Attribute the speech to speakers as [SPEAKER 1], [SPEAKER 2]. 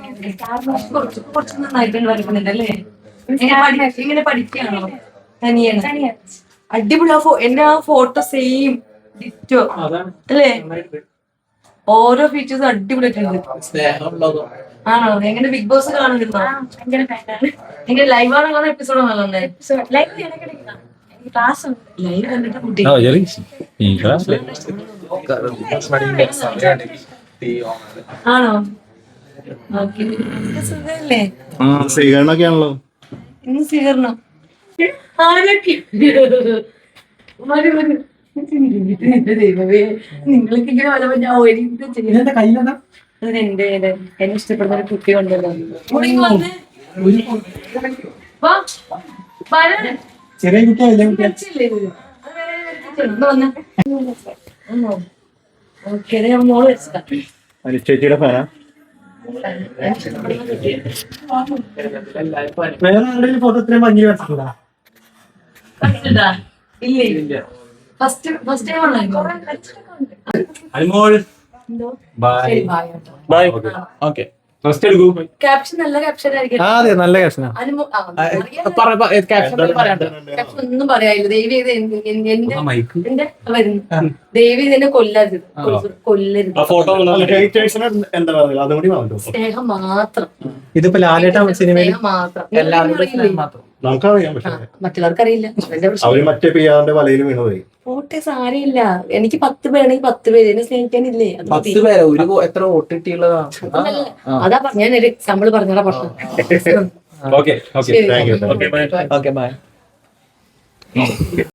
[SPEAKER 1] കുറച്ച് നന്നായിട്ടുണ്ട് വരക്കുന്നുണ്ട് അല്ലേ? ഇങ്ങനെ പഠിക്കുകയാണോ? തനിയാണ് അടിപൊളി. എന്റെ ആ ഫോട്ടോ സെയിം ഡിറ്റോ അല്ലേ? ഓരോ ഫീച്ചേഴ്സും അടിപൊളിയായിട്ടുണ്ട്. ആണോ? എങ്ങനെ ബിഗ് ബോസ് കാണുന്നുണ്ടോ? എങ്ങനെ ലൈവ് ആണോ കാണാൻ എപ്പിസോഡ് ആണോ? ലൈവ് കണ്ടിട്ട് കുട്ടി ആണോ? ഓക്കെ. സുഖല്ലേ?
[SPEAKER 2] സ്വീകരണമൊക്കെയാണല്ലോ
[SPEAKER 1] ഇന്ന് സ്വീകരണം ആരൊക്കെ? ദൈവമേ, നിങ്ങൾക്ക് ഇങ്ങനെ വല്ലപ്പോ ഞാൻ ഒരിക്കലും ചെയ്യുന്നത്. എന്റെ എന്നെ ഇഷ്ടപ്പെടുന്ന ഒരു കുട്ടി ഉണ്ടല്ലോ.
[SPEAKER 2] ചെറിയ
[SPEAKER 1] മോള് വെച്ചതാ.
[SPEAKER 2] ചേച്ചിയുടെ ഫാനാ? വേറെ ആരുടെയും ഫോട്ടോ ഇത്രയും ഭംഗി വെച്ചിട്ടുണ്ടോ?
[SPEAKER 1] ഇല്ല, ഫസ്റ്റ് ടൈം ആണോ?
[SPEAKER 2] ബൈ. ഓക്കെ, റെസ്റ്റ് എടുക്കൂ.
[SPEAKER 1] ക്യാപ്ഷൻ നല്ല ക്യാപ്ഷൻ ആയിരിക്കും.
[SPEAKER 2] അതെ, നല്ല ക്യാപ്ഷനാ.
[SPEAKER 1] ഒന്നും പറയാനില്ല. ദേവി എന്റെ വരുന്നു. ദേവി ഇതിനെ കൊല്ലരുത്.
[SPEAKER 2] എന്താ പറയുക, അതും കൂടി പറഞ്ഞു.
[SPEAKER 1] സ്നേഹം മാത്രം.
[SPEAKER 2] ഇതിപ്പോ ലാലേട്ട സിനിമയിൽ
[SPEAKER 1] മാത്രം.
[SPEAKER 2] നമുക്കറിയാം, പക്ഷേ
[SPEAKER 1] മറ്റുള്ളവർക്കറിയില്ല.
[SPEAKER 2] അവര് മറ്റേ പിയാറിന്റെ വലയിൽ വീണുപോയി.
[SPEAKER 1] വോട്ട് സാരമില്ല. എനിക്ക് 10 പേരാണെങ്കിൽ 10 പേര് എന്നെ സ്നേഹിക്കാനില്ലേ?
[SPEAKER 3] 10 പേരോ? എത്ര വോട്ട് കിട്ടിയുള്ളതാണ്?
[SPEAKER 1] അതാ ഞാൻ ഒരു എക്സാമ്പിൾ പറഞ്ഞതാ പ്രശ്നം.
[SPEAKER 2] Okay, thank you.
[SPEAKER 3] Okay, by.